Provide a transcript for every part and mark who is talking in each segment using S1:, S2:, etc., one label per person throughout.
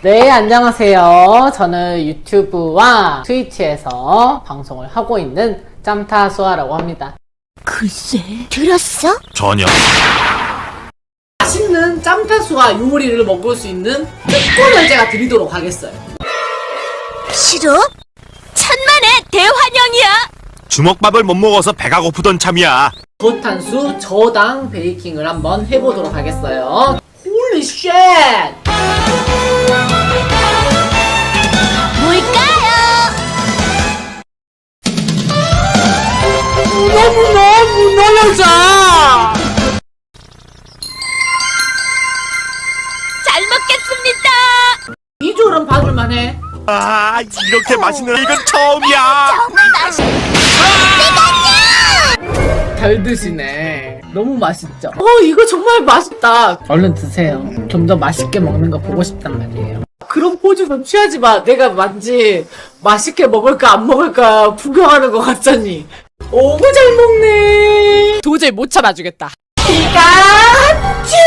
S1: 네, 안녕하세요. 저는 유튜브와 트위치에서 방송을 하고 있는 짬타수아라고 합니다.
S2: 글쎄, 들었어?
S3: 전혀.
S1: 맛있는 짬타수아 요리를 먹을 수 있는 특권을 제가 드리도록 하겠어요.
S2: 싫어? 천만의 대환영이야!
S3: 주먹밥을 못 먹어서 배가 고프던 참이야.
S1: 저탄수 저당 베이킹을 한번 해보도록 하겠어요. 홀리 쉣!
S2: 뭘까요?
S1: 문어 여자!
S2: 잘 먹겠습니다!
S1: 비주얼은 봐줄만해.
S3: 아, 이렇게 맛있는 이건 처음이야.
S2: 정말 맛있어!
S1: 잘 드시네. 너무 맛있죠? 이거 정말 맛있다. 얼른 드세요. 좀 더 맛있게 먹는 거 보고 싶단 말이에요. 그런 포즈 좀 취하지 마. 내가 왠지 맛있게 먹을까 안 먹을까 구경하는 것 같잖니. 오구 잘 먹네. 도저히 못 참아주겠다. 피카츄!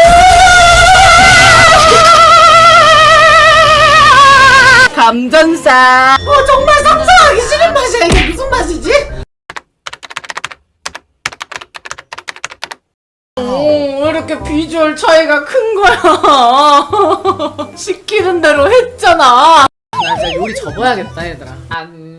S1: 감전사. 정말 상상하기 싫은 맛이야. 이게 무슨 맛이지? 왜 이렇게 비주얼 차이가 큰 거야? 시키는 대로 했잖아. 나 진짜 요리 접어야겠다, 얘들아.